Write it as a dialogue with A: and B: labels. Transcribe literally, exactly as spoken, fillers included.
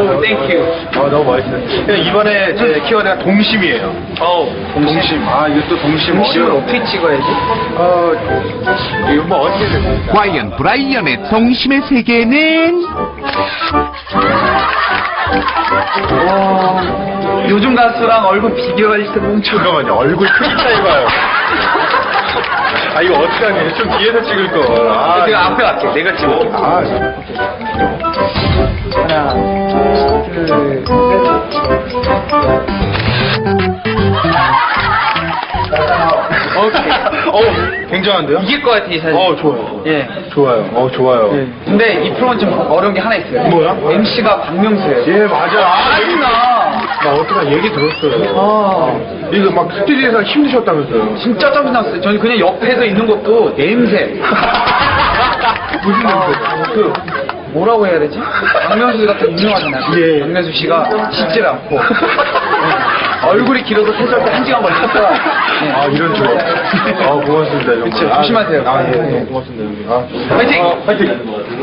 A: 오, 땡큐.
B: 아, 너무 멋있어요. 그냥 이번에 제 키워드가 동심이에요.
A: 어우,
B: 동심. 아, 이것도 동심.
A: 동심을
B: 어려워.
A: 어떻게 찍어야지?
B: 어, 이거 뭐 어떻게 됩니까?
C: 과연 브라이언의 동심의 세계는?
A: 와, 요즘 가수랑 얼굴 비교할 때 너무 좋아.
B: 잠깐만요. 얼굴 크기 차이 봐요. 아, 이거 어떡하니? 좀 뒤에서 찍을 거. 아,
A: 내가 앞에 갈게. 내가 찍어.
B: 아,
A: 하나, 둘, 셋. 오케이.
B: 어, 굉장한데요?
A: 이길 것 같아, 이 사진.
B: 어, 좋아요.
A: 예.
B: 좋아요. 어, 좋아요.
A: 예. 근데 이 프로는 좀 어려운 게 하나 있어요.
B: 뭐야?
A: 엠씨가 박명수예요.
B: 예, 맞아. 아, 얘기,
A: 짜증나.
B: 나 어떻게 얘기 들었어요.
A: 아,
B: 이거 막 스튜디오에서 힘드셨다면서요.
A: 진짜 짜증났어요. 저는 그냥 옆에서 있는 것도 냄새.
B: 무슨 냄새?
A: 그 뭐라고 해야 되지? 박명수 같은 유명하잖아요.
B: 예.
A: 박명수 씨가 씻질 않고 예. 얼굴이 길어서 세수할 때 한 시간 걸렸다. 예.
B: 아, 이런 줄. 아, 고맙습니다, 정말.
A: 그쵸, 조심하세요.
B: 아, 예, 예, 고맙습니다, 형님. 아,
A: 화이팅!
B: 아, 화이팅!